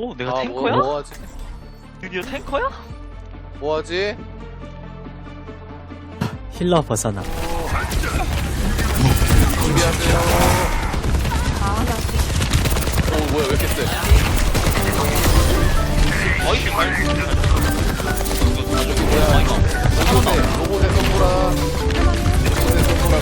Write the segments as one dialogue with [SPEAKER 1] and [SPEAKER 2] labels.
[SPEAKER 1] 오, 내가 탱커야?
[SPEAKER 2] 뭐하지?
[SPEAKER 1] 드디어 탱커야?
[SPEAKER 2] 뭐하지?
[SPEAKER 3] 힐러 벗어나.
[SPEAKER 2] 준비하세요. 오, 뭐야, 왜 이렇게 세?
[SPEAKER 1] 아이씨,
[SPEAKER 2] 저기 뭐야? 로봇의 선물아. 로봇의 선물아.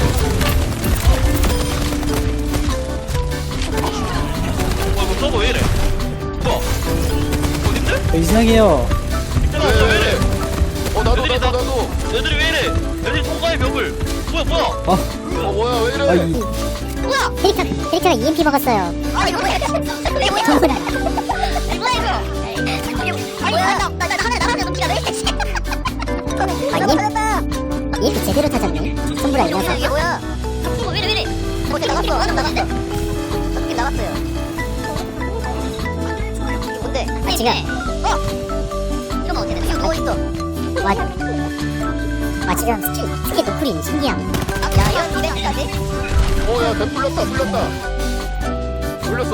[SPEAKER 1] 이거 서버 왜 이래? 뭐야? 어딘데?
[SPEAKER 3] 이상해요.
[SPEAKER 2] 왜 이래? 나도.
[SPEAKER 1] 애들이 왜 이래? 애들이 통과의 벽을. 뭐야?
[SPEAKER 2] 뭐야, 왜 이래?
[SPEAKER 4] 뭐야? 캐릭터가 EMP 먹었어요. 아 이거 뭐야? 이거 뭐야? 이거 뭐야 이거? 아니 뭐야? 나 하나 넘기가 왜 이래? EMP 제대로 타졌네. 손보라 이어서. 이게 뭐야? 왜 이래? 어제 나갔어. 나갔어요. 이게 뭔데? 아니 지금. 이러면 어떻게 돼? 지금 누워 있어. 와 지금 스킬 노플인 신기함. 야 이거 200까지?
[SPEAKER 2] 야, 배 풀렸어.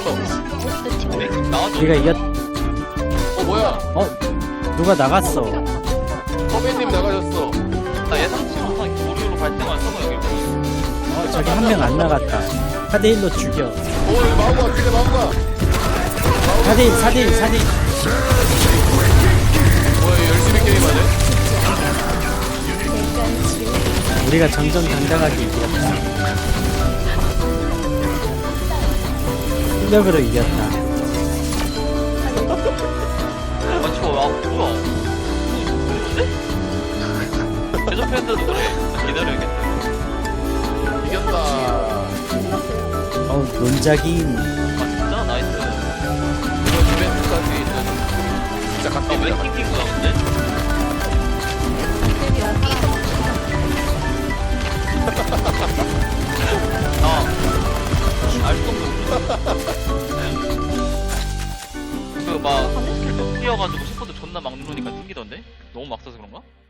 [SPEAKER 1] 나와줘.
[SPEAKER 3] 우리가 이겼.
[SPEAKER 2] 뭐야?
[SPEAKER 3] 누가 나갔어.
[SPEAKER 2] 선배님 나가셨어.
[SPEAKER 1] 나 예상치 못한 도리로 발생한 서버 여기.
[SPEAKER 3] 저기 한 명 안 나갔다. 4대1로 죽여.
[SPEAKER 2] 여기 마우가, 뒤에 마우가.
[SPEAKER 3] 4대1, 4대1, 4대1.
[SPEAKER 2] 뭐야, 얘 열심히 게임하네?
[SPEAKER 3] 우리가 정정당당하게 이겼다. 실력으로 이겼다.
[SPEAKER 1] 뭐야? 뭔데? 대전 팬들도 그래. 기다려야겠다.
[SPEAKER 2] 이겼다.
[SPEAKER 3] 논작인.
[SPEAKER 1] 진짜 나이스.
[SPEAKER 2] 이번 이벤트까지 있는. 진짜 갔다
[SPEAKER 1] 왜
[SPEAKER 2] 오자.
[SPEAKER 1] 킹킹 거야 근데? 알 수 없는 그막 스킬 또 뛰어가지고 셰퍼드 존나 막 누르니까 튕기던데? 너무 막 써서 그런가?